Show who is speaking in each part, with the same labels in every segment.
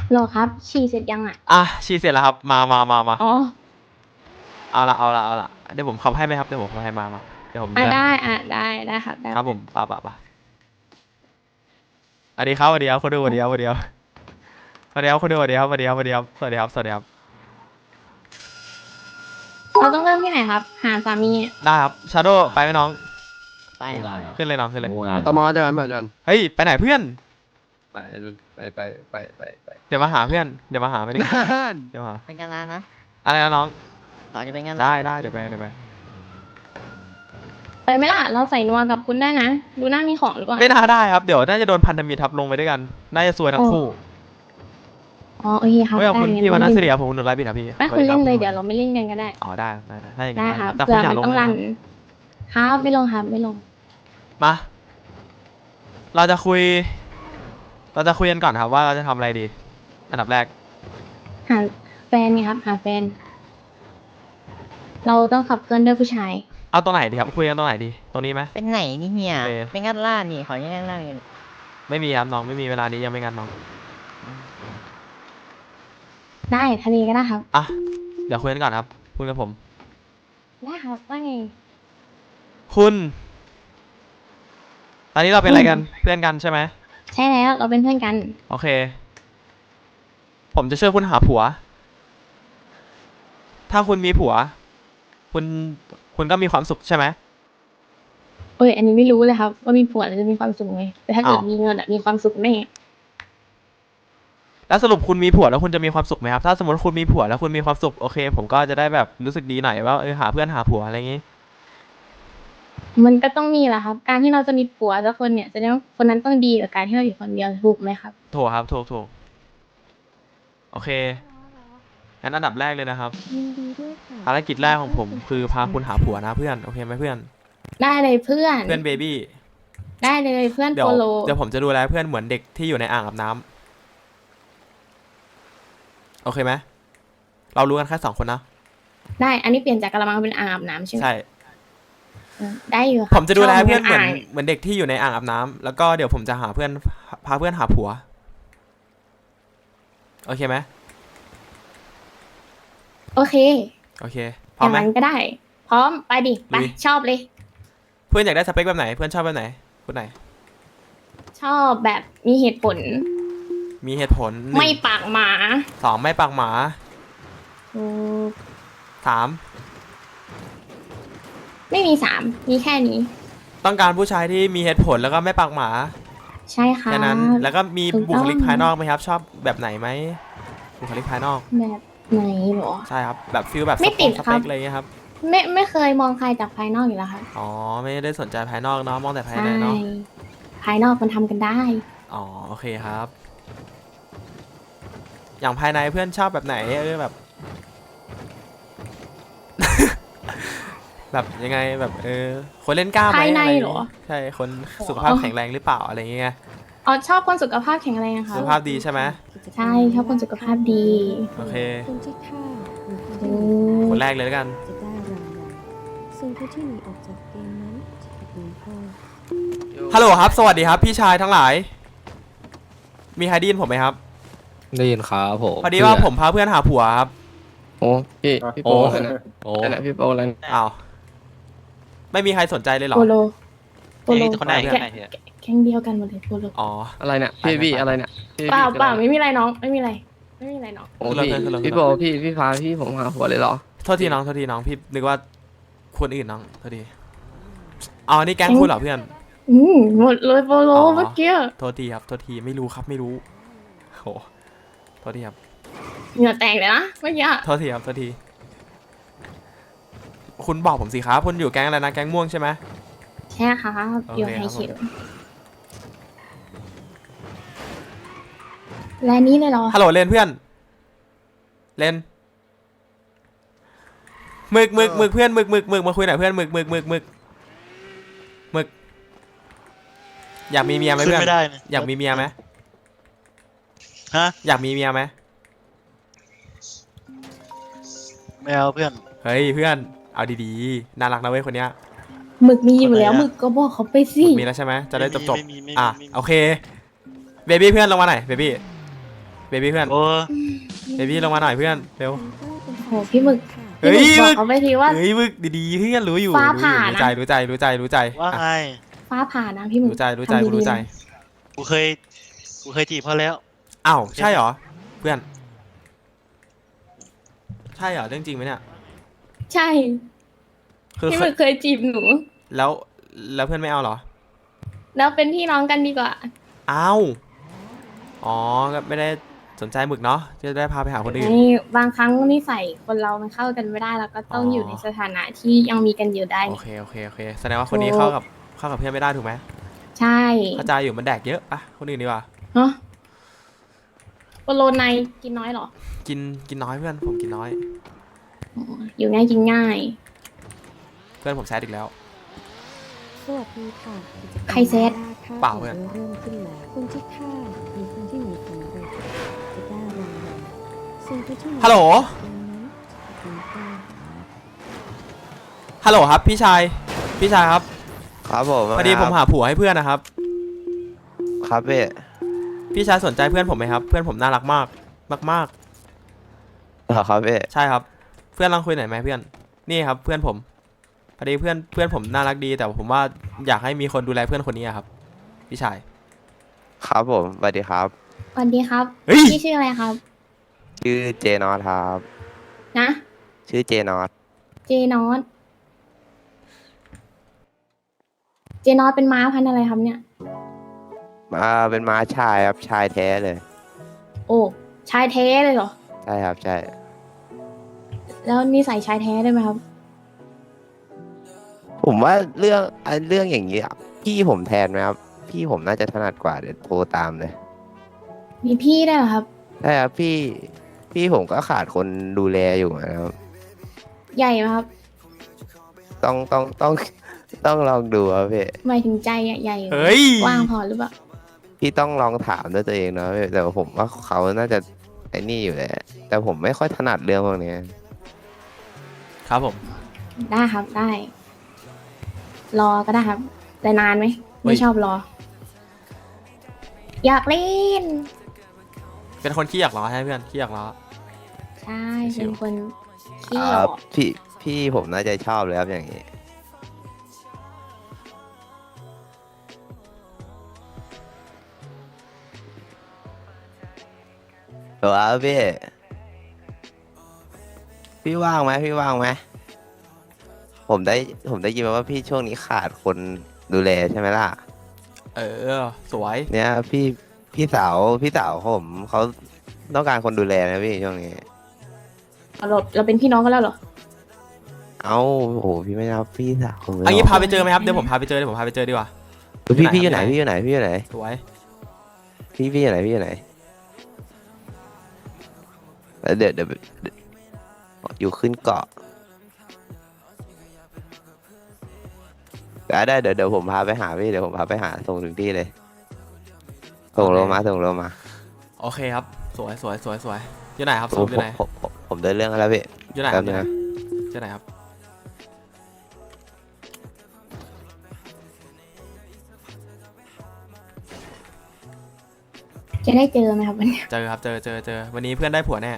Speaker 1: โหลครับฉี่เสร็จยังอ่ะ
Speaker 2: ฉีดเสร็จแล้วครับมา
Speaker 1: อ๋อ
Speaker 2: เอาละเดี๋ยวผมขับให้ไหมครับเดี๋ยวผมขับให้มาเดี๋ยวผมจะ
Speaker 1: ได้ได้ครับได้
Speaker 2: ครับผมป่ะสวัสดีครับสวัสดีครับคนดูสวัสดีครับสวัสดีครับสวัสดีครับคนดูสวัสดีครับสวัสดีครับสวัสดีครับสวัสดีครับสวัสดีครับ
Speaker 1: เราต้องเริ่มที่ไหนครับหาสามี
Speaker 2: ได้ครับชาโดไปไหมน้อง
Speaker 3: ไป
Speaker 2: ขึ้นเลยน้องขึ้นเลย
Speaker 4: ตมเดินมาเดิน
Speaker 2: เฮ้ยไปไหนเพื่อน
Speaker 4: ไปไป
Speaker 2: เดี๋ยวมาหาเพื่อนเดี๋ยวมาหาไม่ได้
Speaker 4: นั่น
Speaker 2: เดี๋ยวมาหา
Speaker 3: เป็นกันร้านนะ
Speaker 2: อะไรนะน้อง
Speaker 3: ต่อจะเป็นกัน
Speaker 2: ได้เดี๋ยวไป
Speaker 1: ไปไหมล่ะเราใส่นัวกับคุณได้นะดูหน้ามีของหรือเปล่า
Speaker 2: ไม่น่าได้ครับเดี๋ยวน่าจะโดนพันธมิตรทับลงไปด้วยกันน่าจะซวยทั้งคู่
Speaker 1: อ๋อโอเคครับ
Speaker 2: เฮ้ยขอบคุณพี่วันนัสเรียผมหนุนไลฟ์บิดครับพี่
Speaker 1: ไม่คุณเล่นเลยเดี๋ยวเราไม่เล่นกันก็ได้
Speaker 2: อ๋อได้ถ้าอย่าง
Speaker 1: ได้
Speaker 2: นั้น
Speaker 1: ครับ
Speaker 2: แต่คุ
Speaker 1: เผื่
Speaker 2: ณ
Speaker 1: อ
Speaker 2: อยาก
Speaker 1: มัน
Speaker 2: ลง
Speaker 1: ต้องรันครับไม่ลงครับไม่ลง
Speaker 2: มาเราจะคุยกันก่อนครับว่าเราจะทำอะไรดีอันดับแรก
Speaker 1: หาแฟนไงครับหาแฟน เราต้องขับเคลื่อนด้วยผู้ชาย
Speaker 2: เอาตรงไหนดีครับคุยกันตรงไหนดีตรงนี้ไหม
Speaker 3: เป็นไหนนี่เฮีย
Speaker 2: โอเค
Speaker 3: เป็นกันร้านนี่ขอแยกร้านกัน
Speaker 2: ไม่มีครับน้องไม่มีเวลานี้ยังไม่งานน้อง
Speaker 1: ได้ทะเลก็ได้ครับ
Speaker 2: อ่ะเดี๋ยวคุยกันก่อนครับคุยกับผม
Speaker 1: ได้ครับว่าไง
Speaker 2: คุณตอนนี้เราเป็นอะไรกันเพื่อนกันใช่ไหม
Speaker 1: ใช่แล้วเราเป็นเพื่อนกัน
Speaker 2: โอเค ผมจะช่วยคุณหาผัว ถ้าคุณมีผัว คุณก็มีความสุขใช่ไหม
Speaker 1: เอ้ยอันนี้ไม่รู้เลยครับว่ามีผัวแล้วจะมีความสุขไงแต่ถ้าเกิด
Speaker 2: อ้าว
Speaker 1: มีเงินอะมีความสุขแน่
Speaker 2: แล้วสรุปคุณมีผัวแล้วคุณจะมีความสุขไหมครับถ้าสมมติคุณมีผัวแล้วคุณมีความสุขโอเค ผมก็จะได้แบบรู้สึกดีหน่อยว่าหาเพื่อนหาผัวอะไรอย่างงี้
Speaker 1: มันก็ต้องมีแหละครับ การที่เราจะมีผัวสักคนเนี่ยแสดงว่าคนนั้นต้องดีกว่าการที่เราอยู่คนเดียวถูกไหมครับ
Speaker 2: ถูกครับถูกโอเคงั้นอันดับแรกเลยนะครับ
Speaker 5: ยินดีด้วยค่ะ
Speaker 2: ภารกิจแรกของผมคือพาคุณหาผัวนะเพื่อนโอเคไหมเพื่อน
Speaker 1: ได้เลยเพื่อน
Speaker 2: เพื่อนเบบี้
Speaker 1: ได้เลยเพื่อน
Speaker 2: เดี๋ย
Speaker 1: โป
Speaker 2: ว
Speaker 1: โล
Speaker 2: เดี๋ยวผมจะดูแลเพื่อนเหมือนเด็กที่อยู่ในอ่างอาบน้ำโอเคไหมเรารู้กันแค่2 คนนะ
Speaker 1: ได้อันนี้เปลี่ยนจากกระมังเป็นอ่างอาบน้ำใช่ไหม
Speaker 2: ใช่
Speaker 1: ได้อยู่ครับ
Speaker 2: ผมจะดูแลเพื่อนเหมือน
Speaker 1: ชบ
Speaker 2: เหมือนเด็กที่อยู่ในอ่างอาบน้ำแล้วก็เดี๋ยวผมจะพาเพื่อนหาผัวโอเคไหม
Speaker 1: โอเค
Speaker 2: โอเคพ
Speaker 1: อ
Speaker 2: ร้อม
Speaker 1: ย่าง
Speaker 2: ไหม
Speaker 1: นั้นก็ได้ พร้อมไปดิไป
Speaker 2: ลุย
Speaker 1: ชอบเลย
Speaker 2: เพื่อนอยากได้สเปคแบบไหนเพื่อนชอบแบบไหนคนไหน
Speaker 1: ชอบแบบมีเหตุผล
Speaker 2: มีเหตุผลหนึ่ง
Speaker 1: ไม่ปากหมา
Speaker 2: 2ไม่ปากหมา
Speaker 1: อืม
Speaker 2: 3
Speaker 1: ไม่มีสามมีแค่นี้
Speaker 2: ต้องการผู้ชายที่มีเหตุผลแล้วก็ไม่ปากหมา
Speaker 1: ใช่ค่ะ
Speaker 2: แค่นั้นแล้วก็มี
Speaker 1: ถูกต้อง
Speaker 2: บุคลิกภายนอกไหมครับ ชอบแบบไหนไหมบุคลิกภายนอก
Speaker 1: แบบไหนเหรอ
Speaker 2: ใช่ครับแบบฟิลแบบ
Speaker 1: ไม่ติด
Speaker 2: ส
Speaker 1: ครั
Speaker 2: เป
Speaker 1: บ
Speaker 2: คอะไรเงี้ยครับ
Speaker 1: ไม่เคยมองใครจากภายนอกอยู่แล้วค่ะ
Speaker 2: อ๋อไม่ได้สนใจภายนอกเนาะมองแต่ภาย
Speaker 1: ใช่
Speaker 2: ในเนาะ
Speaker 1: ภายนอกมันทำกันได้
Speaker 2: อ๋อโอเคครับ อย่างภายในเพื่อนชอบแบบไหนแบบ แบบยังไงแบบคนเล่นกล้ามไหม
Speaker 1: ภายใน
Speaker 2: ะไ
Speaker 1: เหรอ
Speaker 2: ใช่คนสุขภาพแข็งแรงหรือเปล่าอะไรเงี้ย
Speaker 1: อ๋อชอบคนสุขภาพแข็งแรงค่ะ
Speaker 2: สุขภาพดีใช่ไหม
Speaker 1: ใช่ชอบคนสุขภาพดี
Speaker 2: โอเค
Speaker 5: คนที่ฆ่าหรือ
Speaker 1: อื
Speaker 5: ฆ่าม
Speaker 2: คนแรกเลยแล้วกัน
Speaker 5: จะได้รางวัลส่วนผู้ที่หนีออกจากเกมนั้นจะถูกลงโทษ
Speaker 2: ฮัลโหลครับสวัสดีครับพี่ชายทั้งหลาย มีใครได้ยินผมไหมครับ
Speaker 4: ได้ยินครับผม
Speaker 2: พอดีว่าผมพาเพื่อนหาผัวครับ
Speaker 4: โอ้พี่โป้นั่นน่ะ
Speaker 2: โอ้
Speaker 4: นั่นน่ะพี่โป้นั่น
Speaker 2: อ้าวไม่มีใครสนใจเลยเหรอ
Speaker 1: โปโลโปโล
Speaker 2: คนไหน
Speaker 1: แก๊งเดียวกันหมดเลยโปโล
Speaker 2: อ๋อ
Speaker 4: อะไรเนี่ยพี่อะไรเนี่ยพี่
Speaker 1: เปล่า
Speaker 4: คือ
Speaker 1: เปล่า
Speaker 4: อะไร
Speaker 1: ไม่มีอะไรน้องไม่มีอะไรไม่มีอะไรน้อง
Speaker 4: โอ้พี่โป้พี่พาพี่ผมหาผัวเลยเหรอ
Speaker 2: โทษทีน้องพี่นึกว่าคนอื่นน้องโทษทีเอาอันนี้แก๊งคุณเหรอเพื่อน
Speaker 1: หมดเลยโปโล
Speaker 2: อ๋อ
Speaker 1: เมื่อกี้
Speaker 2: โทษทีครับโทษทีไม่รู้ครับไม่รู้โหโทษทีครับ
Speaker 1: เหงื่อแตกเลยนะเมื่อกี้
Speaker 2: โทษทีครับโทษทีคุณบอกผมสิครับคุณอยู่แก๊งอะไรนะแก๊งม่วงใช่ไหม
Speaker 1: ใช่ค่ะ
Speaker 2: โอเค
Speaker 1: อยู่ไฮ
Speaker 2: ครับ
Speaker 1: คิวและนี่เลยเหรอ
Speaker 2: ฮัลโหลเลนเพื่อนเลนหมึกเพื่อนหมึกมาคุยหน่อยเพื่อนหมึกอยากมีเมียไหม
Speaker 6: ขึ้น
Speaker 2: เพื่อน
Speaker 6: ไม่ได้นะ
Speaker 2: อยากมีเมียไหม
Speaker 6: ฮะ
Speaker 2: อยากมีเมียไหม
Speaker 6: ไม่เอาเพื่อน
Speaker 2: เฮ้ยเพื่อนเอาดีๆน่ารักนะเว้ยคนเนี้ย
Speaker 1: หมึกมีอยู่แล้ว
Speaker 6: คนไหนอะ
Speaker 1: หมึกก็บอกเขาไปสิ
Speaker 2: มีแล้วใช่ไหมจะได้จบ
Speaker 6: ไม่มี
Speaker 2: อ่ะโอเคเบบี้เพื่อนลงมาหน่อยเบบี้เบบี้เพื่อน
Speaker 6: โอ้
Speaker 2: เบบี้ลงมาหน่อยเพื่อนเร็ว
Speaker 1: โหพี่หมึก
Speaker 2: เฮ้ย
Speaker 1: พี่หมึกบอกเขาไปทีว่า
Speaker 2: เฮ้ยมึกดีๆเพื่อนรู้อยู่
Speaker 1: ฟ้าผ่านะ
Speaker 2: รู้ใจรู้ใจ
Speaker 6: ว่าไง
Speaker 1: ฟ้าผ่านะพี่หมึก
Speaker 2: รู้ใจ
Speaker 1: ทำดีๆ
Speaker 2: รู้ใจ
Speaker 1: นะ
Speaker 6: กูเคยจีบเขาแล้ว
Speaker 2: อ้าวใช่เหรอเพื่อนใช่เหรอเรื่องจริงไหมเนี่ย
Speaker 1: ใช่
Speaker 2: คือ
Speaker 1: พี่หมึกเคยจีบหนู
Speaker 2: แล้วเพื่อนไม่เอาเหรอ
Speaker 1: แล้วเป็นพี่น้องกันดีกว่า
Speaker 2: อ้าวอ๋อก็ไม่ได้สนใจหมึกเนาะจะได้พาไปหาคนอื่น
Speaker 1: นี่บางครั้งนิสัยคนเรามันเข้ากันไม่ได้แล้วก็ต้อง
Speaker 2: อ๋อ
Speaker 1: อ
Speaker 2: อ
Speaker 1: ยู่ในสถานะที่ยังมีกันอยู่ได้
Speaker 2: โอเคแสดงว่าคนนี้เข้ากับเพื่อนไม่ได้ถูกไหม
Speaker 1: ใช่
Speaker 2: เข้าใจอยู่มันแดกเยอะอะคนอื่นดีกว่า
Speaker 1: เนาะโปโลไนกินน้อยเหรอ
Speaker 2: กินน้อยเพื่อนผมกินน้อย
Speaker 1: อ๋ออยู่ง่ายกินง่าย
Speaker 2: เพื่อนผมแซดอีกแล้ว
Speaker 5: สวัสดีค่ะกิจกม
Speaker 1: ใครเซต
Speaker 5: ล่าค่า
Speaker 2: เปล่าเพื่อน
Speaker 5: เริ่มขึ้นแล้วคนที่ฆ่าหรือคนที่หนีสำเร็จจะได้รางวัลส่วนผู้ที่นี
Speaker 2: ฮัลโหล
Speaker 5: เกมนั้นจะเป็นผู้
Speaker 2: ฮัลโหลครับพี่ชายครับ
Speaker 7: ครับผม
Speaker 2: พอดีผมหาผัวให้เพื่อนนะครับ
Speaker 7: ครับพี่
Speaker 2: พี่ชายสนใจเพื่อนผมไหมครับ เพื่อนผมน่ารักมากมาก
Speaker 7: เหรอครับพี่
Speaker 2: ใช่ครับ เพื่อนลองคุยหน่อยไหมเพื่อนนี่ครับเพื่อนผมพอดีเพื่อนผมน่ารักดี แต่ผมว่าอยากให้มีคนดูแลเพื่อนคนนี้อะครับพี่ชาย
Speaker 7: ครับผมสวัสดีครับ
Speaker 1: สวัสดีครับ
Speaker 2: เฮ้ย
Speaker 1: พี่ชื่ออะไรครับ
Speaker 7: ชื่อเจนอตครับ
Speaker 1: นะ
Speaker 7: ชื่อเจนอต
Speaker 1: เจนอตเป็นม้าพันธุ์อะไรครับเนี่ย
Speaker 7: เป็นม้าชายครับชายแท้เลย
Speaker 1: โอ้ชายแท้เลยเหรอ
Speaker 7: ใช่ครับใช่
Speaker 1: แล้วนิสัยชายแท้ได้ไหมครับ
Speaker 7: ผมว่าเรื่องอย่างนี้อะพี่ผมแทนไหมครับพี่ผมน่าจะถนัดกว่าเดี๋ยวโทรตามเลย
Speaker 1: มีพี่ได้วยเหรอครับ
Speaker 7: ใช่ครับพี่ผมก็ขาดคนดูแลอยู่นะครับ
Speaker 1: ใหญ่ไหมครับ
Speaker 7: ต้องลองดูครับพี่
Speaker 1: หมายถึงใจอะใหญ่
Speaker 2: เฮ้ย
Speaker 1: กว้างพอหรือเปล่า
Speaker 7: พี่ต้องลองถามด้วยตัวเองนะพี่แต่ว่าผมว่าเขาน่าจะไอ้นี่อยู่แหละแต่ผมไม่ค่อยถนัดเรื่องพวกนี้
Speaker 2: ครับผม
Speaker 1: ได้ครับได้ รอก็ได้ครับ แต่นานไหม
Speaker 2: เฮ้
Speaker 1: ไม่
Speaker 2: ย
Speaker 1: ชอบรอ อยากเล่น
Speaker 2: เป็นคนขี้อยากล้อให้เพื่อนขี้อยากล้อ
Speaker 1: ใช่
Speaker 2: ชิ
Speaker 1: เป็น
Speaker 2: ว
Speaker 1: คนขี้
Speaker 7: ค
Speaker 1: หย
Speaker 7: รั
Speaker 1: อบ ก
Speaker 7: พี่ผมน่าจะชอบเลยครับอย่างนี้หรอครับพี่ว่างไหมผมได้ยินมาว่าพี่ช่วงนี้ขาดคนดูแลใช่ไหมล่ะ
Speaker 2: เออสวย
Speaker 7: เนี่ยพี่สาวผมเขาต้องการคนดูแลนะพี่ช่วงนี้
Speaker 1: เราเป็นพี่น้องกันแล้วเหรอ
Speaker 7: เอ้าโอ้โหพี่ไม่รับพี่สาวผมเลย
Speaker 2: อันนี้
Speaker 7: เหร
Speaker 2: พาไปเจอไหมครับเดี๋ยวผมพาไปเจอดีกว่า
Speaker 7: พี่อยู่ไหน
Speaker 2: ไหน
Speaker 7: พี่อยู่ไหน
Speaker 2: สวย
Speaker 7: พี่อยู่ไหนแล้วเดี๋ยวอยู่ขึ้นเกาะได้เดี๋ยวผมพาไปหาพี่เดี๋ยวผมพาไปหาส่งถึงที่เลยส่งโลมา
Speaker 2: โอเคครับสวยอยู่ไหนครับ
Speaker 7: ผ
Speaker 2: สู
Speaker 7: ม
Speaker 2: อยู่ไหน
Speaker 7: ผมเดินเรื่องแล้วพี่
Speaker 2: อยู่ไหนค
Speaker 7: แป๊
Speaker 2: รั
Speaker 7: บบ นึงนะ
Speaker 2: อยู่ไหนครับ
Speaker 1: จะได้เจอไหมครับวันนี้
Speaker 2: เจอครับเจอวันนี้เพื่อนได้ผัวแน่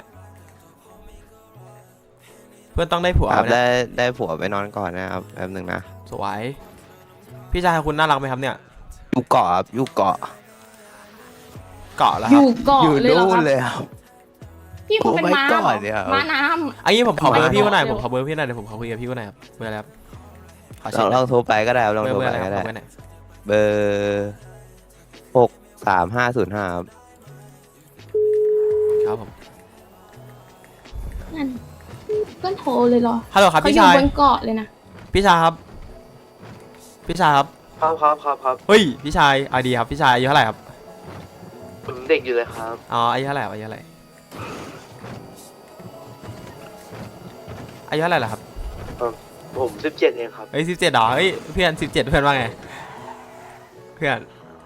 Speaker 2: เพื่อนต้องได้ผัว
Speaker 7: ครับ
Speaker 2: วันเนี้ย
Speaker 7: ได้ผัวไปนอนก่อนนะครับแป๊บนึงนะ
Speaker 2: สวยพี่ชายคุณน่ารักไหมครับเนี่ย
Speaker 7: อยู่เกาะครับอยู่เกาะ
Speaker 2: เกาะแล้ว
Speaker 1: อ
Speaker 2: ครับ
Speaker 1: ยู่เกาะ
Speaker 7: อยู่
Speaker 1: เลยเหรอ
Speaker 7: นู่
Speaker 1: คน รับ
Speaker 7: เลยครับ
Speaker 1: พี่คงเป็นม้าเหร
Speaker 7: โอ้ my
Speaker 1: อ
Speaker 7: god เนี่ยครับ
Speaker 1: ม้าน้
Speaker 2: อันนี้ผมขอเบอร์พี่ก็หน่อย
Speaker 1: เร็ว
Speaker 2: ผมขอเบอร์พี่หน่อยเดี๋ยวผมขอคุยกับพี่ก็หน่อยครับเบอร์อะไรครับขอ
Speaker 7: ล
Speaker 2: เช็
Speaker 7: อ
Speaker 2: ค
Speaker 7: งโทรไปก็ได้ครับลอง
Speaker 2: เบอ
Speaker 7: โท
Speaker 2: ร์
Speaker 7: ร
Speaker 2: อะไร
Speaker 7: ไป
Speaker 2: ครับ
Speaker 7: ก็ได้
Speaker 2: เบอร์ไหน
Speaker 7: เบอร์63505ครับ
Speaker 2: ครับผม
Speaker 1: ำนั่นเพื่อนโทรเลยเหรอ
Speaker 2: ฮัลโหลครับ
Speaker 1: เขา
Speaker 2: พี่
Speaker 1: อยู่
Speaker 2: ชาย
Speaker 1: บนเกาะเลยนะ
Speaker 2: พี่ชายครับ
Speaker 7: ครับ
Speaker 2: เฮ้ยพี่ชายเอาดีครับพี่ชายอายุเท่าไหร่ครับ
Speaker 7: ผมเด็กอยู่เลยครับ
Speaker 2: อ๋ออายุเท่าไหร่ครับอายุเท่าไหร่เหรอครับ
Speaker 7: ผม17เองครับ
Speaker 2: เฮ้ย17เหรอเฮ้ยเพื่อน17เพื่อนว่าไงเพื่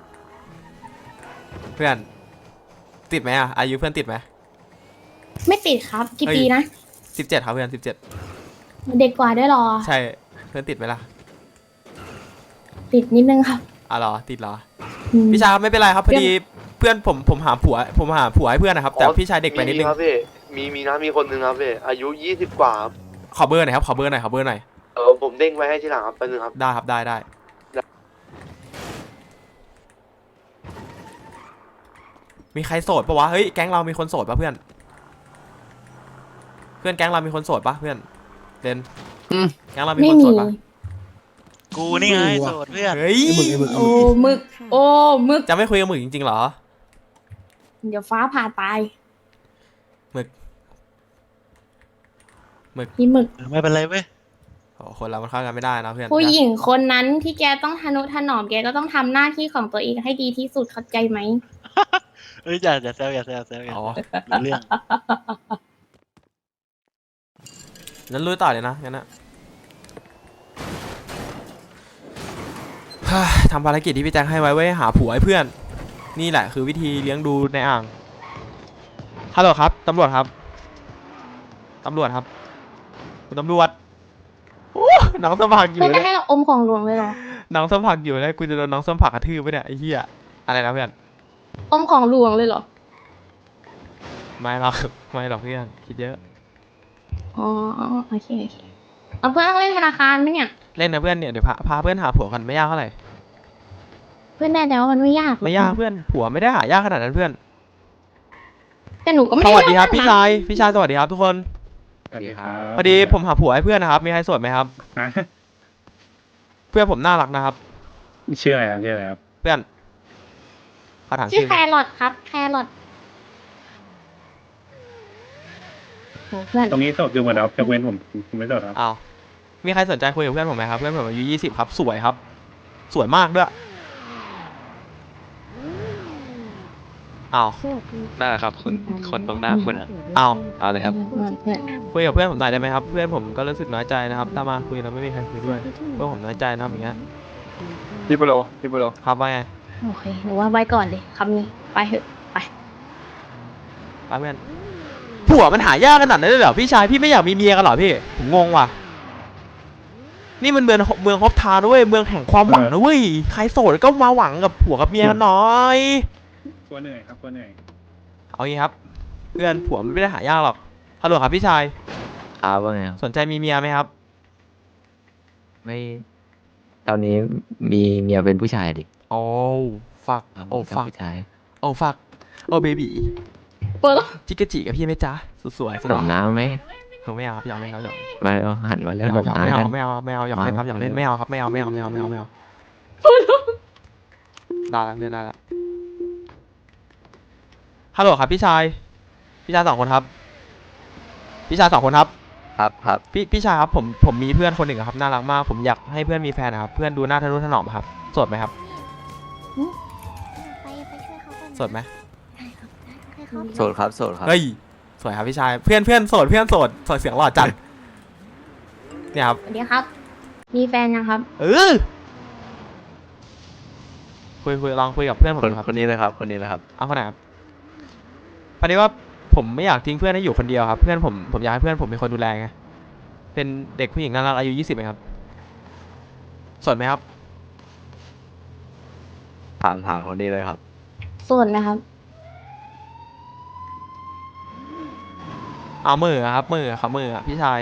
Speaker 2: อนติดไหมอ่ะอายุเพื่อนติดไหม
Speaker 1: ไม่ติดครับกี่
Speaker 2: เฮ้ย
Speaker 1: ปีนะ
Speaker 2: 17ครับเพื่อน17
Speaker 1: เด็กกว่าด้วยเหรอ
Speaker 2: ใช่เพื่อนติดไหมล่ะ
Speaker 1: ติดนิดนึงครับ
Speaker 2: อ๋อเหรอติดเหรอ
Speaker 1: อืม
Speaker 2: พี่ชายครับไม่เป็นไรครับพอดีเพื่อนผมหาผัวให้เพื่อนนะครับ แต่พี่ชายเด็กไปนิดนึง
Speaker 8: ครับพี่มีนะมีคนหนึ่งครับพี่อายุ20 กว่าครับ
Speaker 2: ขอเบอร์หน่อยครับขอเบอร์หน่อยขอเบอร์หน่อย
Speaker 8: ผมเด้งไว้ให้ทีหลังครับแป๊บนึงครับ
Speaker 2: ได้ครับได้มีใครโสดปะวะเฮ้ยแก๊งเรามีคนโสดปะเพื่อนแก๊งเรามีคนโสดปะเพื่อนเดนแก๊งเรามี
Speaker 1: ไม่
Speaker 2: คน
Speaker 1: มี
Speaker 2: โสดปะ
Speaker 6: กูนี่ไงโสดเพื่อน
Speaker 2: เฮ้ย
Speaker 1: โอ้หมึก โอ้หมึก
Speaker 2: จะไม่คุยกับมึงจริงๆเหรอ
Speaker 1: เดี๋ยวฟ้าผ่าตาย
Speaker 2: หมึก
Speaker 1: พี่หมึก
Speaker 6: ไม่เป็นไรเว้ย
Speaker 2: โอ้คนเรามันเข้ากันไม่ได้นะเพื่อน
Speaker 1: ผู้หญิงคนนั้นที่แกต้องทนุถนอมแกก็ต้องทำหน้าที่ของตัวเองให้ดีที่สุดเข้าใจไหม
Speaker 6: เฮ้ยอย่าแซวอย่ารู้
Speaker 2: อ๋อ
Speaker 6: เรื่อง
Speaker 2: นั้นลุยต่อเลยนะงั้นนะฮ่าทำภารกิจที่พี่แจ็คให้ไว้ไว้หาผัวให้เพื่อน นี่แหละคือวิธีเลี้ยงดูในอ่างฮัลโหลครับตำรวจครับคุณตำรวจโอ้น้องสมผักอยู่
Speaker 1: เพื่อ
Speaker 2: เล
Speaker 1: จะ
Speaker 2: ย
Speaker 1: ให้เราอมของหลวงเลยเหรอ
Speaker 2: น้องสมผักอยู่เลยกูจะโดนน้องสมผักกระทืบไปเนี่ยไอ้เหี้ยอะไรนะเพื่อน
Speaker 1: อมของหลวงเลยเหรอ
Speaker 2: ไม่หรอกเพื่อนคิดเยอะ
Speaker 1: อ๋อโอเคเอาเพื่อนต้องเล่นธนาคารไหมเนี่ย
Speaker 2: เล่นนะเพื่อนเนี่ยเดี๋ยวพาเพื่อนหาผัวกันไม่ยากเท่าไหร่
Speaker 1: เพื่อนแน่ใจว่ามันไม่ยากหรอ
Speaker 2: ไม่ยากเพื่อนผัวไม่ได้หายากขนาดนั้นเพื่อน
Speaker 1: แต่หนูก็ไม่
Speaker 2: สวัสดีครับ
Speaker 1: ได้
Speaker 2: พี่ชายสวัสดีครับทุกคน
Speaker 9: สวัสดีครับ
Speaker 2: พอดีผมหาผัวให้เพื่อนนะครับมีใครโสดไหมครับ
Speaker 9: ฮะ
Speaker 2: เพื่อนผมน่ารักนะครับ
Speaker 9: ชื่ออะไรครับชื่ออะไรครับ
Speaker 2: เพื่อนเขาถาม
Speaker 1: ชื่อ
Speaker 2: ชื่อ
Speaker 1: แครอทครับ แครอทโหเพื่อน
Speaker 9: ตรงนี้โสดดูเหมือนครับยกเว้นผมไม่โสดครับ
Speaker 2: อ้าวมีใครสนใจคุยกับเพื่อนผมไหมครับเพื่อนผมอายุ20ครับสวยครับ สวยมากด้วยอ้าว
Speaker 5: ได้ครับคนตรงหน้าคุณอ่ะ
Speaker 2: เอา
Speaker 5: เอาเลยครับ
Speaker 1: เพื่อน
Speaker 2: คุยกับเพื่อนผมหน่อยได้ไหมครับเพื่อนผมก็รู้สึกน้อยใจนะครับถ้ามาคุยแล้วไม่มีใครคุยด้วยเพื่อนผมน้อยใจนะครับอย่างเงี้ย
Speaker 9: พี่ปุโร
Speaker 2: ครับว่าไง
Speaker 1: โอเคหนูว่าไว้ก่อนเลยคำนี้ไปเถอะไป
Speaker 2: ป้าเพื่อนผัวมันหายากขนาดนั้นเลยเหรอพี่ชายพี่ไม่อยากมีเมียกันเหรอพี่ผมงงว่ะนี่มันเมืองฮอปทาวน์นะเว้ยเมืองแห่งความหวังนะเว้ยใครโสดก็มาหวังกับผัวกับเมียกันหน่อย
Speaker 9: กลัวเหนื่อยครับกลัวเหนื่อย
Speaker 2: เอางี้ครับเพื่อนผัวมันไม่ได้หายากหรอกฮัลโหลครับพี่ชาย
Speaker 3: ครับว่าไงครับ
Speaker 2: สนใจมีเมียไหมครับ
Speaker 3: ไม่ตอนนี้มีเมียเป็นผู้ชายดิ
Speaker 2: โอ้ฟักโอ้ฟัก
Speaker 3: ผู้ชาย
Speaker 2: โอ้ฟักโอ้เบบี้
Speaker 1: เปิด
Speaker 2: จิกกะจิกับพี่ไหมจ๊ะสวยๆ
Speaker 3: ขนมน้ำไหม
Speaker 2: ผมไม่เอาครับอยากเล่นครับอยาก
Speaker 3: มาเอาหันมาแล้ว
Speaker 2: ไม่
Speaker 3: ขนม
Speaker 2: เอา
Speaker 3: น้ำกัน
Speaker 2: ไม่เอาอยากเล่นครับอยากเล่นไม่เอาครับไม่เอาได้แล้วเล่นได้แล้วฮัลโหลครับพี่ชายสองคนครับ
Speaker 3: ครับ
Speaker 2: พี่ชายครับผมมีเพื่อนคนหนึ่งอะครับน่ารักมากผมอยากให้เพื่อนมีแฟนนะครับเพื่อนดูหน้าทะนุถนอมครับโสดไหมครับ
Speaker 5: ไปช่วยเขาก่อน
Speaker 2: โสดไหม
Speaker 3: โสดครับโสดครับ
Speaker 2: เฮ้ยสวยครับพี่ชายเพื่อนโสดเสียงหล่อจัดเนี่ยครับ
Speaker 1: สวัสดีครับ มีแฟนยังครับ
Speaker 2: คุยลองคุยกับเพื่อนผมดูครับ
Speaker 3: คนนี้เลยครับ
Speaker 2: เอาคนไหนครับพอดีว่าผมไม่อยากทิ้งเพื่อนให้อยู่คนเดียวครับเพื่อนผมอยากให้เพื่อนผมเป็นคนดูแลไงเป็นเด็กผู้หญิงน่ารักอายุ20เองครับโสดไหมครับ
Speaker 3: ถามคนนี้เลยครับ
Speaker 1: โสดไหมครับ
Speaker 2: เอามือครับมือพี่ชาย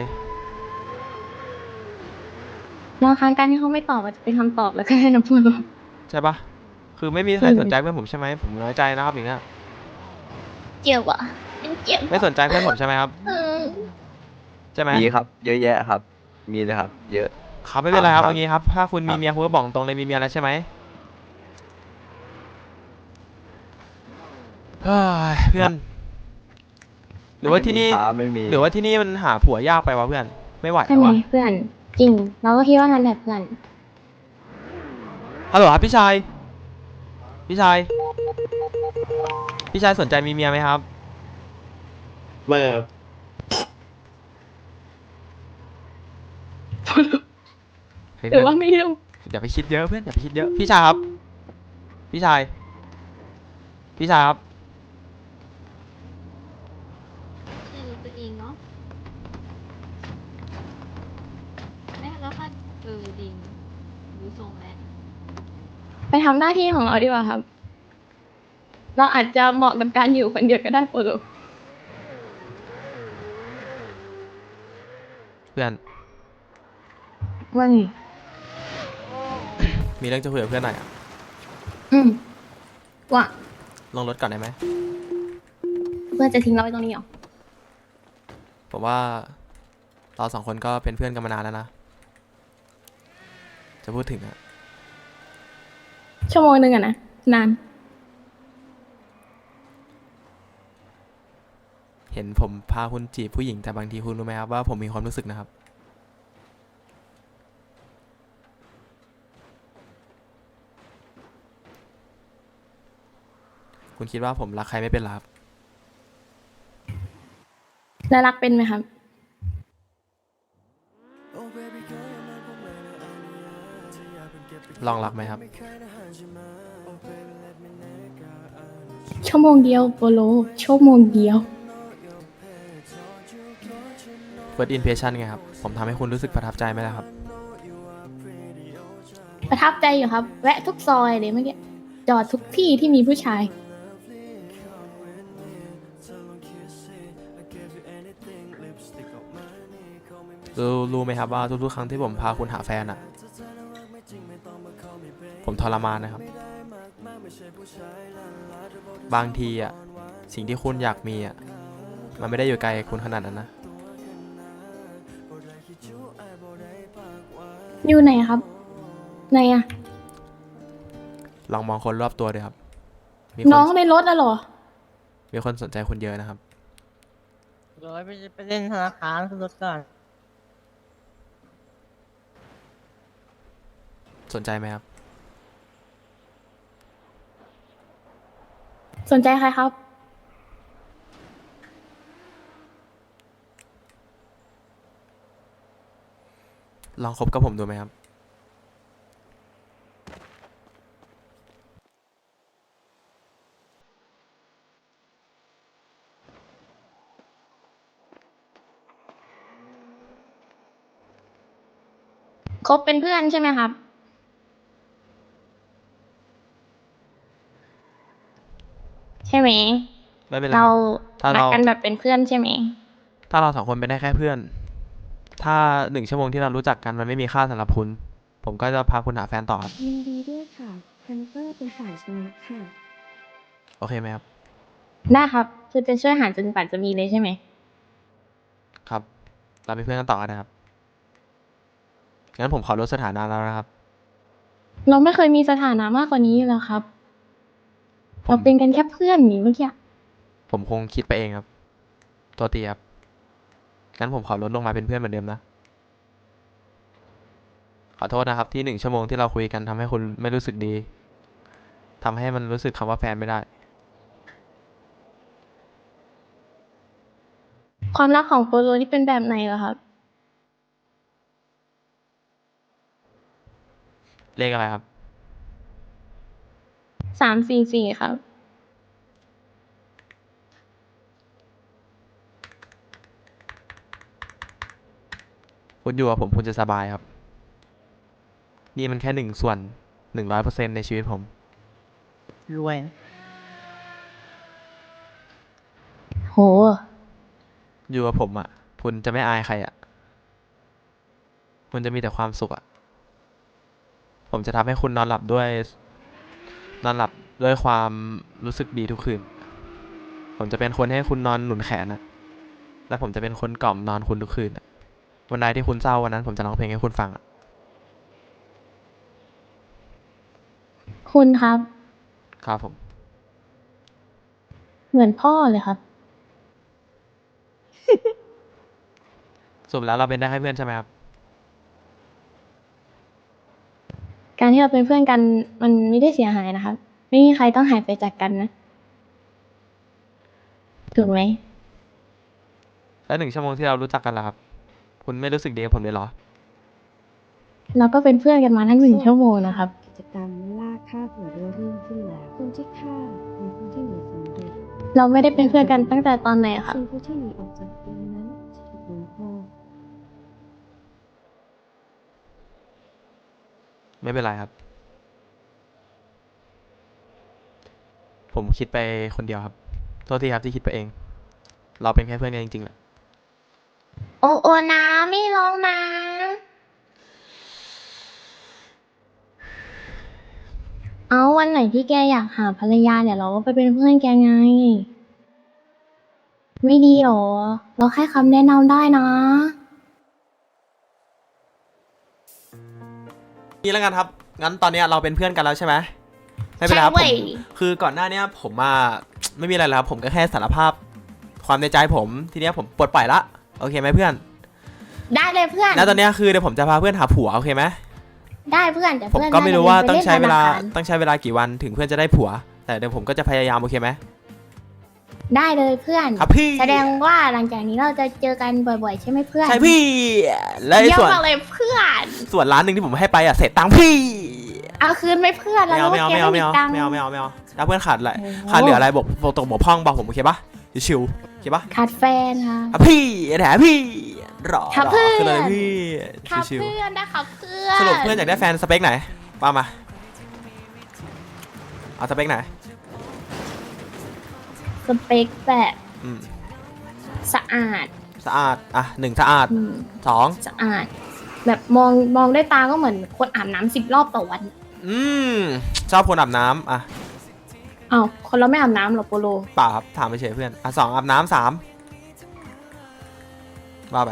Speaker 1: บางครั้งการที่เขาไม่ตอบอาจจะเป็นคำตอบแล้วก็ได้นะเพื่อน
Speaker 2: ใช่ปะคือไม่มีใครสนใจเพื่อนผมใช่ไหมผมน้อยใจนะครับอย่างเงี้ย
Speaker 1: เจ็บอ่ะเจ็บ
Speaker 2: ไม่สนใจเพื่อนผมใช่ไหมครับใช่ไหม
Speaker 3: มีครับ เยอะแยะครับ มีเลยครับ เยอะ
Speaker 2: ครับไม่เป็นไรครับ
Speaker 3: ครับ
Speaker 2: เอางี้ครับถ้าคุณมีเมียคุณก็บอกตรงเลยมีเมียแล้วใช่ไหมเฮ้ยเพื่อนหรือว่าที่นี่
Speaker 3: ไม่มี
Speaker 2: หรือว่าที่นี่มันหาผัวยากไปวะเพื่อนไม่ไหว
Speaker 1: ใช่
Speaker 2: แล้ว
Speaker 1: ไหม
Speaker 2: วะ
Speaker 1: เพื่อนจริง เราก็คิดว่านั้นแหละเพื่อน
Speaker 2: ฮัลโหลครับพี่ชายสนใจมีเมียไหมครับ
Speaker 8: ไม่ครับ
Speaker 2: เฮ้ย
Speaker 1: หรือว่าไม่รู้
Speaker 2: อย่าไปคิดเยอะเพื่อนอย่าไปคิดเยอะพี่ชายครับพี่ชายครับ
Speaker 5: คือตัวเองเนาะแม่แล้วค่ะดิงรู้ทรงแล้ว
Speaker 1: ไปทำหน้าที่ของเราดีกว่าครับเราอาจจะเหมาะกับการอยู่คนเดียวก็ได้โปโล
Speaker 2: เพื่อน
Speaker 1: ว่าไง
Speaker 2: มีเรื่องจะคุยกับเพื่อนหน่อยอะ
Speaker 1: ว่า
Speaker 2: ลงรถก่อนได้ไหม
Speaker 1: เพื่อนจะทิ้งเราไว้ตรงนี้เหรอ
Speaker 2: ผมว่าเราสองคนก็เป็นเพื่อนกันมานานแล้วนะ จะพูดถึงอะ
Speaker 1: ชั่วโมงนึงอะนะนาน
Speaker 2: เห็นผมพาคุณจีบผู้หญิงแต่บางทีคุณรู้ไหมครับว่าผมมีความรู้สึกนะครับ คุณคิดว่าผมรักใครไม่เป็นหรอครับ
Speaker 1: แล้วรักเป็นไหมครับ
Speaker 2: ลองรักไหมครับ
Speaker 1: ชั่วโมงเดียวโปโล ชั่วโมงเดียว
Speaker 2: First impression ไงครับ ผมทำให้คุณรู้สึกประทับใจไหมล่ะครับ
Speaker 1: ประทับใจอยู่ครับ แวะทุกซอยเลยเมื่อกี้ จอดทุกที่ที่มีผู้ชาย
Speaker 2: รู้ไหมครับว่าทุกๆครั้งที่ผมพาคุณหาแฟนอะผมทรมานนะครับ บางทีอะสิ่งที่คุณอยากมีอะมันไม่ได้อยู่ไกลคุณขนาดนั้นนะ
Speaker 1: อยู่ไหนครับ ไหนอะ
Speaker 2: ลองมองคนรอบตัวเลยครับ มีค
Speaker 1: น้องในรถอะเหรอ
Speaker 2: มีคนสนใจคุณเยอะนะครับ
Speaker 10: ร้อยไปเล่นธนาคารขึ้นรถก่อน
Speaker 2: สนใจไหมครับ
Speaker 1: สนใจใครครับ
Speaker 2: ลองคบกับผมดูไหมครับ
Speaker 1: คบเป็นเพื่อนใช่ไหมครับ ใช่ไหม
Speaker 2: ไม่เป็นไร
Speaker 1: เรา
Speaker 2: ถ้า
Speaker 1: รัก
Speaker 2: เรา
Speaker 1: กันแบบเป็นเพื่อนใช่ไหม
Speaker 2: ถ้าเราสองคนเป็นได้แค่เพื่อน ถ้า1 ชั่วโมงที่เรารู้จักกันมันไม่มีค่าสำหรับคุณ ผมก็จะพาคุณหาแฟนต่อครับ
Speaker 5: ยินดีด้วยค่ะแพนเตอร์เป็นฝ่ายชนะค่ะ
Speaker 2: โอเคไหมครับ
Speaker 1: ได้ครับ คือจะช่วยหาจนกว่าจะมีเลยใช่ไหม
Speaker 2: ครับ เราเป็นเพื่อนกันต่อกันนะครับ งั้นผมขอลดสถานะแล้วนะครับ
Speaker 1: เราไม่เคยมีสถานะมากกว่านี้แล้วครับ
Speaker 2: ผม
Speaker 1: เราเป็นกันแค่เพื่อนอย่างนี้เมื่อกี้
Speaker 2: ผมคงคิดไปเองครับ ตัวตีครับ งั้นผมขอลดลงมาเป็นเพื่อนเหมือนเดิมนะ ขอโทษนะครับที่1 ชั่วโมงที่เราคุยกันทำให้คุณไม่รู้สึกดีทำให้มันรู้สึกคำว่าแฟนไม่ได้
Speaker 1: ความรักของโปโลนี่เป็นแบบไหนเหรอครับ
Speaker 2: เลขอะไรครับ
Speaker 1: 344 ครับ
Speaker 2: คุณอยู่กับผมคุณจะสบายครับ นี่มันแค่1/100%ในชีวิตผม
Speaker 10: รวยนะ
Speaker 1: โห
Speaker 2: อยู่กับผมอ่ะ คุณจะไม่อายใครอ่ะ คุณจะมีแต่ความสุขอ่ะ ผมจะทำให้คุณนอนหลับด้วยความรู้สึกดีทุกคืน ผมจะเป็นคนให้คุณนอนหนุนแขนนะและผมจะเป็นคนกล่อมนอนคุณทุกคืนอะวันใดที่คุณเศร้าวันนั้นผมจะร้องเพลงให้คุณฟังอ่ะ
Speaker 1: คุณครับ
Speaker 2: ครับผม
Speaker 1: เหมือนพ่อเลยครับ
Speaker 2: สรุปแล้วเราเป็นได้แค่เพื่อนใช่ไหมครับ
Speaker 1: การที่เราเป็นเพื่อนกันมันไม่ได้เสียหายนะครับ ไม่มีใครต้องหายไปจากกันนะ ถูกไหม
Speaker 2: แล้ว1 ชั่วโมงที่เรารู้จักกันล่ะครับ คุณไม่รู้สึกดีกับผมเลยเหรอ
Speaker 1: เราก็เป็นเพื่อนกันมาทั้ง1 ชั่วโมงนะครับ
Speaker 5: กิจกรรมล่าฆ่าหัวเรือเริ่มขึ้นแล้วคนที่ฆ่าเป็นผู้ที่หนีสำเร็จ
Speaker 1: เราไม่ได้เป็นเพื่อนกันตั้งแต่ตอนไหนอะครับ
Speaker 5: ซึ่งผู้ที่หนีออกจากเกมนั้นจะถูกลงโทษ
Speaker 2: ไม่เป็นไรครับผมคิดไปคนเดียวครับโทษทีครับที่คิดไปเอง เราเป็นแค่เพื่อนกันจริงๆแหละ
Speaker 1: โอนะไม่ร้องนะ เอาวันไหนที่แกอยากหาภรรยาเดี๋ยวเราก็ไปเป็นเพื่อนแกไง ไม่ดีหรอ เราแค่คำแนะนำได้นะ
Speaker 2: นี่แล้วกันครับ งั้นตอนเนี้ยเราเป็นเพื่อนกันแล้วใช่ไหมไม่เป็นไรครับ
Speaker 1: ใช่
Speaker 2: ผ
Speaker 1: เว้
Speaker 2: ม
Speaker 1: ย
Speaker 2: คือก่อนหน้าเนี้ยผมมา ไม่มีอะไรแล้วครับผมก็แค่สารภาพความในใจผมทีเนี้ยผมปลดปล่อยละโอเคไหมเพื่อน
Speaker 1: ได้เลยเพื่อน
Speaker 2: แล้วตอนเนี้ยคือเดี๋ยวผมจะพาเพื่อนหาผัวโอเคไหม
Speaker 1: ได้เพื่อนแต่
Speaker 2: ผม
Speaker 1: เพื่อน
Speaker 2: ก็ไม่รู้ว่าต้องใช้เวลา
Speaker 1: น่จะไปน
Speaker 2: ต้องใช้เวลากี่วันถึงเพื่อนจะได้ผัว แต่เดี๋ยวผมก็จะพยายามโอเคไหม
Speaker 1: ได้เลยเพื่อน
Speaker 2: ครับพี่
Speaker 1: แสดงว่าหลังจากนี้เราจะเจอกันบ่อยๆ ใช่ไหมเพื่อน
Speaker 2: ใช่พี่และไอ้
Speaker 1: เยี่ยม
Speaker 2: ส่วน
Speaker 1: มากเลยเพื่อน
Speaker 2: ส่วนร้านหนึ่งที่ผมให้ไปอ่ะเสร็จตังค์พี่
Speaker 1: เอาคืนไหมเพื่อน
Speaker 2: ไม่เอา
Speaker 1: รู้
Speaker 2: ไม่เอา
Speaker 1: ว่
Speaker 2: ไม่เอา
Speaker 1: แก
Speaker 2: ไม่เอา
Speaker 1: ตังค์
Speaker 2: ไม่เอาไม่เอาไม่เอาถ้าเพื่อนขาดอะไร
Speaker 1: โอ้โห
Speaker 2: ขาดเหลืออะไรบอกตรงบอกพ่องบอกผมโอเคปะชิวๆโอเคปะ
Speaker 1: ขาดแฟนค่ะ
Speaker 2: อ่ะพี่แถมพี่รอ
Speaker 1: ครับ
Speaker 2: รอ
Speaker 1: เพื่อน
Speaker 2: ขึ้นเลยพี่
Speaker 1: ครับ
Speaker 2: ชิว
Speaker 1: เพื่อนนะครับเพื่อน
Speaker 2: ๆสรุปเพื่อนอยากได้แฟนสเปคไหนว่ามาเอาสเปคไหน
Speaker 1: สเปคแบบ
Speaker 2: อืม
Speaker 1: สะอาด
Speaker 2: สะอาดอ่ะ1สะอาด
Speaker 1: อืม
Speaker 2: 2
Speaker 1: สะอาด แบบมองด้วยตาก็เหมือนคนอาบน้ำ10 รอบต่อวัน
Speaker 2: อืมชอบคนอาบน้ำอ่ะ
Speaker 1: อ้าวคนเราไม่อาบน้ำหรอโปโล
Speaker 2: เปล่าครับถามไปเฉยเพื่อนอ่ะ2อาบน้ำ3ว่าไป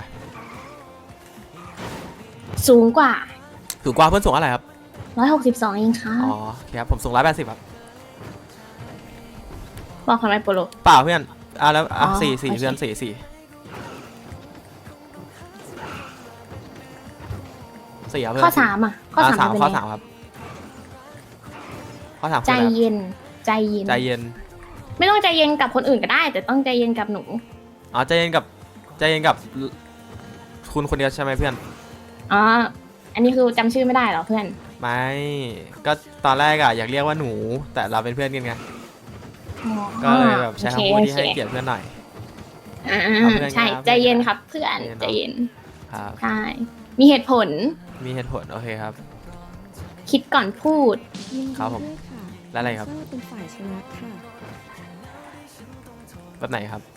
Speaker 1: สูงกว่า
Speaker 2: สูงกว่าเพื่อนสูงอะไรครับ
Speaker 1: 162เองค่ะ
Speaker 2: อ๋อโอเคครับผมสูง180ครับ
Speaker 1: บอกทำไมโปโล
Speaker 2: เปล่าเพื่อนอ่ะแล้วอ่ะ
Speaker 1: อ๋อ
Speaker 2: สี่
Speaker 1: โอเค
Speaker 2: เพื่อนสี่ครับเพื่อน
Speaker 1: ข้อ 3อ่ะ ข้อ 3
Speaker 2: สาม
Speaker 1: เป็น
Speaker 2: ข้อ
Speaker 1: ไง
Speaker 2: 3ครับข้อ3
Speaker 1: ใจ
Speaker 2: คืออะไรครับ
Speaker 1: เย็น ใจเย็น
Speaker 2: ใจเย็น
Speaker 1: ไม่ต้องใจเย็นกับคนอื่นก็ได้ แต่ต้องใจเย็นกับหนู
Speaker 2: อ๋อใจเย็นกับคุณคนเดียวใช่ไหมเพื่อน
Speaker 1: อ๋อ อันนี้คือจำชื่อไม่ได้เหรอเพื่อน
Speaker 2: ไม่ก็ตอนแรกอะอยากเรียกว่าหนู แต่เราเป็นเพื่อนกันไง
Speaker 1: อ๋อ
Speaker 2: ก็เลยแบบใช้
Speaker 1: โอ
Speaker 2: คำพูดที่
Speaker 1: โอ
Speaker 2: ให้
Speaker 1: เค
Speaker 2: เกียรติเพื่อนหน่อย
Speaker 1: อ่า
Speaker 2: เอาเพื่อน
Speaker 1: ใช่
Speaker 2: ครับ
Speaker 1: ใจเย็นครับเพื่อน
Speaker 2: ใจ
Speaker 1: ใจ
Speaker 2: เย็
Speaker 1: เย็
Speaker 2: น
Speaker 1: น
Speaker 2: ครับ
Speaker 1: ใช่ มีเหตุผล
Speaker 2: มีเหตุผลโอเคครับ
Speaker 1: คิดก่อนพูด
Speaker 5: ยินดี
Speaker 2: ครับผม
Speaker 5: ด้วยค่ะ
Speaker 2: แล้วอะไรครับ
Speaker 5: เซอเป็นฝ่ายชนะค่ะ
Speaker 2: แบบไหนครับ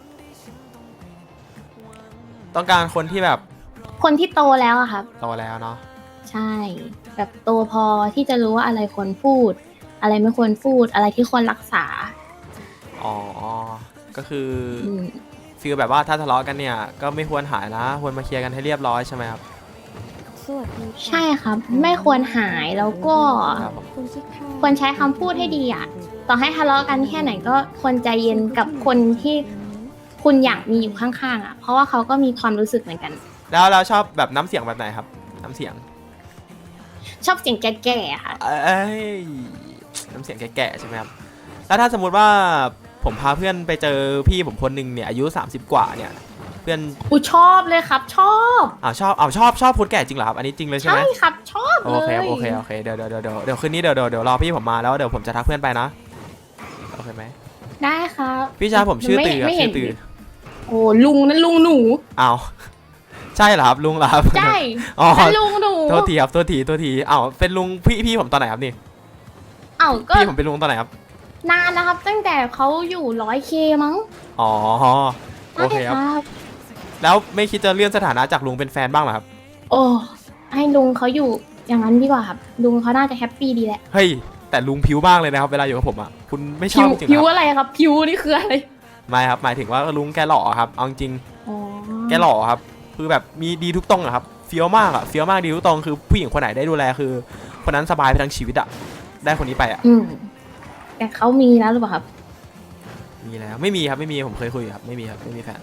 Speaker 2: ต้องการคนที่แบบ
Speaker 1: คนที่โตแล้วอะครับ
Speaker 2: โตแล้วเนาะ
Speaker 1: ใช่ แบบโตพอที่จะรู้ว่าอะไรควรพูด อะไรไม่ควรพูด อะไรที่ควรรักษา
Speaker 2: อ๋อก็คือ
Speaker 1: อืม
Speaker 2: ฟีลแบบว่าถ้าทะเลาะกันเนี่ยก็ไม่ควรหายนะควรมาเคลียร์กันให้เรียบร้อยใช่ไหมครับ
Speaker 5: สวัสดีค่ะ
Speaker 1: ใช่ครับ ไม่ควรหายแล้วก็
Speaker 2: ครับผม
Speaker 5: คนที่เข้า
Speaker 1: ควรใช้คำพูดให้ดีอะ ต่อให้ทะเลาะกันแค่ไหนก็ควรใจเย็นกับคนที่คุณอยากมีอยู่ข้างๆอะเพราะว่าเขาก็มีความรู้สึกเหมือนกัน
Speaker 2: แล้วเราชอบแบบน้ำเสียงแบบไหนครับ น้ำเสียง
Speaker 1: ชอบเสียงแก่ๆอะค่ะ
Speaker 2: เอ้ยน้ำเสียงแก่ๆใช่ไหมครับ แล้วถ้าสมมุติว่าผมพาเพื่อนไปเจอพี่ผมคนหนึ่งเนี่ยอายุ30กว่าเนี่ยเพื่อน
Speaker 1: อูชอบเลยครับ ชอบ
Speaker 2: ชอบคนแก่จริงเหรอครับอันนี้จริงเลยใช่ไห
Speaker 1: ใช่
Speaker 2: ม
Speaker 1: ครับชอบเล
Speaker 2: โอย เคเดี๋ยวคืนนี้เดี๋ยวรอพี่ผมมาแล้วเดี๋ยวผมจะทักเพื่อนไปนะโอเคไหม
Speaker 1: ได้ครับ
Speaker 2: พี่ชายผมชื่อตือครับ
Speaker 1: ไม่เห็
Speaker 2: ชื่
Speaker 1: น
Speaker 2: อตือ
Speaker 1: โอ้ลุงนั่นลุงหนู
Speaker 2: อ้าวใช่เหรอครับลุงเหรอครับ
Speaker 1: ใช่
Speaker 2: อ๋อ
Speaker 1: นั่นลุงหนู
Speaker 2: โทษทีครับโทษทีอ้าวเป็นลุงพี่ผมตอนไหนครับนี่
Speaker 1: เอ้าก็
Speaker 2: พี่ผมเป็นลุงตอนไหนครับ
Speaker 1: นานนะครับ ตั้งแต่เขาอยู่ 100K มั้ง
Speaker 2: อ๋อโอเคครับ
Speaker 1: ใช่ครับ
Speaker 2: แล้วไม่คิดจะเลื่อนสถานะจากลุงเป็นแฟนบ้างเหรอครับ
Speaker 1: โอ้ให้ลุงเขาอยู่อย่างนั้นดีกว่าครับ ลุงเขาน่าจะแฮปปี้ดีแหละ
Speaker 2: เฮ้ยแต่ลุงผิวมากเลยนะครับเวลาอยู่กับผมอ่ะคุณไม่ช
Speaker 1: ผิ
Speaker 2: อบ
Speaker 1: ว
Speaker 2: จริงๆ
Speaker 1: ผิว
Speaker 2: ครับ
Speaker 1: อะไรครับผิวนี่คืออะไร
Speaker 2: ไม่ครับหมายถึงว่าลุงแกหล่อครับเอาจริง
Speaker 1: อ๋อ
Speaker 2: แกหล่อครับคือแบบมีดีทุกตรงอะครับเฟี้ยวมากดีทุกตรงคือผู้หญิงคนไหนได้ดูแลคือคนนั้นสบายไปทั้งชีวิตอะได้คนนี้ไปอะ
Speaker 1: อืมแต่เขามีแล้วหรือเปล่าครับ
Speaker 2: มีแล้วไม่มีครับไม่มีผมเคยคุยครับไม่มีครับไม่มีแฟน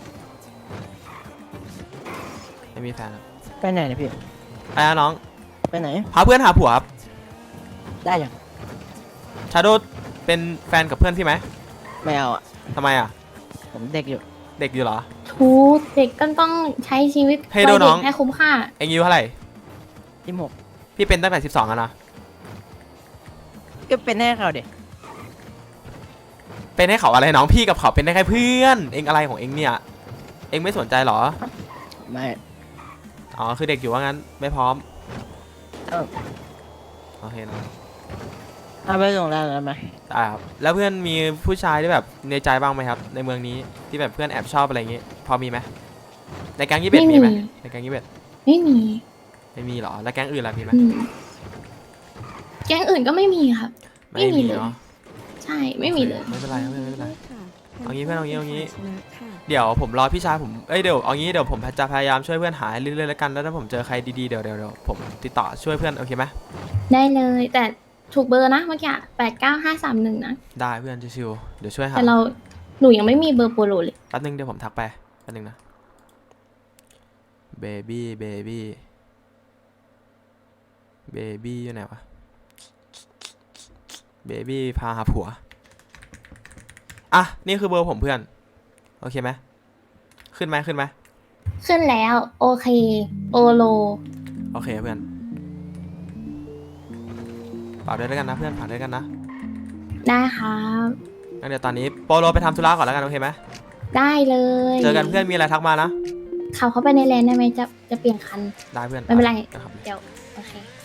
Speaker 2: ไม่มีแฟนครับ
Speaker 10: ไปไหนเนี่ยพี่
Speaker 2: ไอ้น้อง
Speaker 10: ไปไหน
Speaker 2: พาเพื่อนหาผัวครับ
Speaker 10: ได้ยัง
Speaker 2: ชาโดเป็นแฟนกับเพื่อนพี่ไหม
Speaker 10: ไม่เอาอ่ะ
Speaker 2: ทำไมอะ
Speaker 10: ผมเด็กอยู่
Speaker 2: เด็กอยู่เหรอ
Speaker 1: ทุกเด็กก็ต้องใช้ชีวิต
Speaker 2: ให้ดู
Speaker 1: วัย
Speaker 2: น้
Speaker 1: เด็
Speaker 2: อง
Speaker 1: กให้คุ้มค่า
Speaker 2: เอ็งอายุเท่าไหร่
Speaker 10: 26
Speaker 2: พี่เป็นตั้งแต่12อะนะ
Speaker 10: ก็เป็นแน่เขาเด็ก
Speaker 2: เป็นให้เขาอะไรน้องพี่กับเขาเป็นได้แค่เพื่อนเอ็งอะไรของเอ็งเนี่ยเอ็งไม่สนใจเหรอ
Speaker 10: ไม่
Speaker 2: อ๋อคือเด็กอยู่ว่างั้นไม่พร้อม
Speaker 10: เอ้า
Speaker 2: โอเคนะ
Speaker 10: เอาไปส่งได้ไหม
Speaker 2: ได้ครับแล้วเพื่อนมีผู้ชายที่แบบในใจบ้างไหมครับ ในเมืองนี้ที่แบบเพื่อนแอบชอบอะไรอย่างงี้พอมีไหมในแก๊งยี่เป็ดมีไหมในแก๊งยี่เป็ด
Speaker 1: ไม่มี
Speaker 2: ไม่มีเหรอแล้วแก๊งอื่นล่ะมีไหม
Speaker 1: อืมแก๊งอื่นก็ไม่มีครับ ไม่มีเลย
Speaker 2: เนาะ
Speaker 1: ใช่ไม่มีเลย
Speaker 2: ไม่เป็นไรไม่เป็นไร
Speaker 5: ค่ะ
Speaker 2: เอางี้เพื่อนเอางี้
Speaker 5: ชนะค่ะ
Speaker 2: เดี๋ยวผมรอพี่ชายผมเดี๋ยวเอางี้เดี๋ยวผมจะพยายามช่วยเพื่อนหาให้เรื่อยๆแล้วกันแล้วถ้าผมเจอใครดีๆเดี๋ยวผมติดต่อช่วยเพื่อนโอเคไหม
Speaker 1: ได้เลย แต่ถูกเบอร์นะเมื่อกี้89531นะ
Speaker 2: ได้เพื่อนชิวๆเดี๋ยวช่วยหา
Speaker 1: แต่หนูยังไม่มีเบอร์โปโลเลย
Speaker 2: แป๊บนึงเดี๋ยวผมทักไปแป๊บนึงนะเบบี้อยู่ไหนวะเบบี้พาหาผัวอ่ะนี่คือเบอร์ผมเพื่อนโอเคไหมขึ้นไหม
Speaker 1: ขึ้นแล้วโอเคโอโล
Speaker 2: โอเคเพื่อนฝากด้วยแล้วกันนะเพื่อนฝากด้วยกันนะ
Speaker 1: ได้ครับ
Speaker 2: งั้นเดี๋ยวตอนนี้โปโลไปทำธุระก่อนแล้วกันโอเคไหม
Speaker 1: ได้เลย
Speaker 2: เจอกันเพื่อนมีอะไรทักมานะ
Speaker 1: ขับเข้าไปในเลนได้ไหมจะเปลี่ยนคัน
Speaker 2: ได้เพื่อน
Speaker 1: ไม่เป็นไร
Speaker 2: นะครับ
Speaker 1: เดี๋ยวโอเค